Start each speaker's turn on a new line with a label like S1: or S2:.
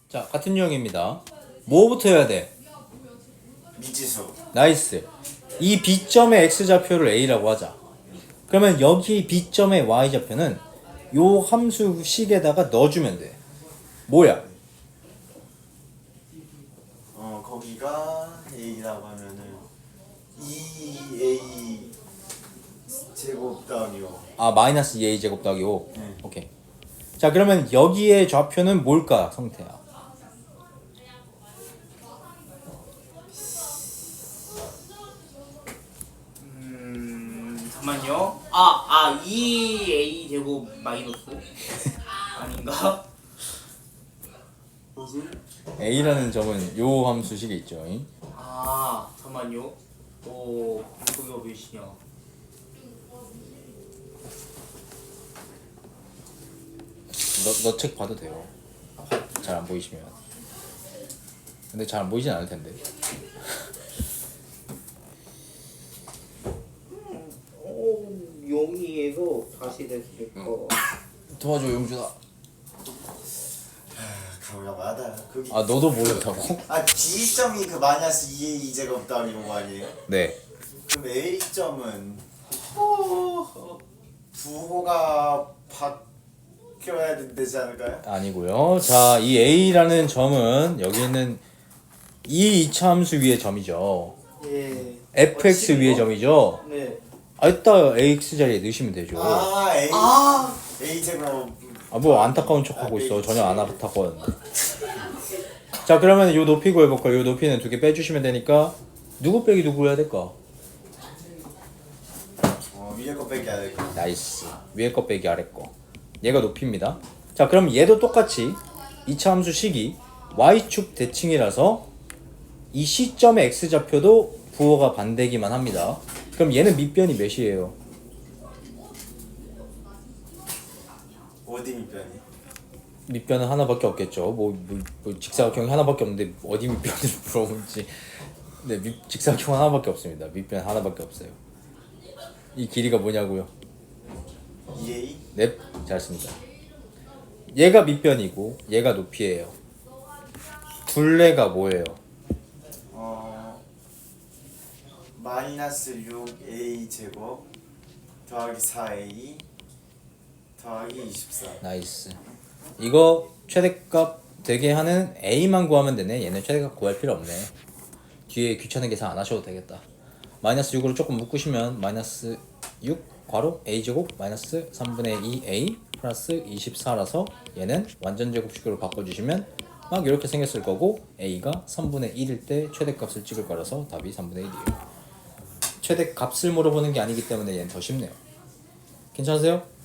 S1: 자, 같은 유형입니다. 뭐부터 해야 돼?
S2: 미지수.
S1: 나이스. 이 B점의 X좌표를 A라고 하자. 그러면 여기 B점의 Y좌표는 요 함수식에다가 넣어주면 돼. 뭐야?
S2: 거기가 A라고 하면은 2A 제곱 더하기요.
S1: 아, 마이너스 2A 제곱 더하기 5.
S2: 네.
S1: 오케이. 자, 그러면 여기의 좌표는 뭘까, 성태야?
S3: 잠만요. 2A 제곱 마이너스 아닌가? 뭐지?
S1: A라는 점은 요 함수식에 있죠.
S3: 잠만요. 거기가 몇이냐?
S1: 너 책 봐도 돼요. 잘 안 보이시면. 근데 잘 안 보이진 않을 텐데.
S3: 용이에서 다시 됐을까?
S1: 도와줘, 용준아.
S2: 그러려고 하다. 거기.
S1: 아, 너도 모른다고?
S2: B점이 그 마이너스 2A 제곱 더하기 5 아니에요?
S1: 네.
S2: 그럼 A점은 부호가 바뀌어야 되지 않을까요?
S1: 아니고요. 자, 이 A라는 점은 여기 있는 이 이차함수 위의 점이죠.
S3: 예.
S1: fx 위의 점이죠.
S3: 네.
S1: 이따 ax 자리에 넣으시면 되죠.
S2: A A 제곱.
S1: 뭐 안타까운 척 하고 있어. 전혀 안 안타까웠는데. 자, 그러면 요 높이 구해볼까요? 요 높이는 2개 빼주시면 되니까 누구 빼기 누구 해야 될까?
S2: 위에 거 빼기 해야 될 거.
S1: 나이스. 위에 거 빼기 아래 거. 얘가 높이입니다. 자, 그럼 얘도 똑같이 2차 함수 식이 y축 대칭이라서 이 C점의 x좌표도 부호가 반대기만 합니다. 그럼 얘는 밑변이 몇이에요?
S2: 어디 밑변이?
S1: 밑변은 하나밖에 없겠죠. 뭐 직사각형이 하나밖에 없는데 어디 밑변을 물어보는지. 네, 직사각형 하나밖에 없습니다. 밑변 하나밖에 없어요. 이 길이가 뭐냐고요?
S2: 2A?
S1: 네, 잘했습니다. 얘가 밑변이고 얘가 높이예요. 둘레가 뭐예요?
S2: 마이너스 6A 제곱 더하기 4A 더하기 24.
S1: 나이스. 이거 최대값 되게 하는 A만 구하면 되네. 얘는 최대값 구할 필요 없네. 뒤에 귀찮은 계산 안 하셔도 되겠다. 마이너스 6으로 조금 묶으시면 마이너스 6 괄호 A제곱 마이너스 3분의 2A 플러스 24라서 얘는 완전 제곱식으로 바꿔주시면 막 이렇게 생겼을 거고 A가 3분의 1일 때 최대값을 찍을 거라서 답이 3분의 1이에요. 최대값을 물어보는 게 아니기 때문에 얘는 더 쉽네요. 괜찮으세요?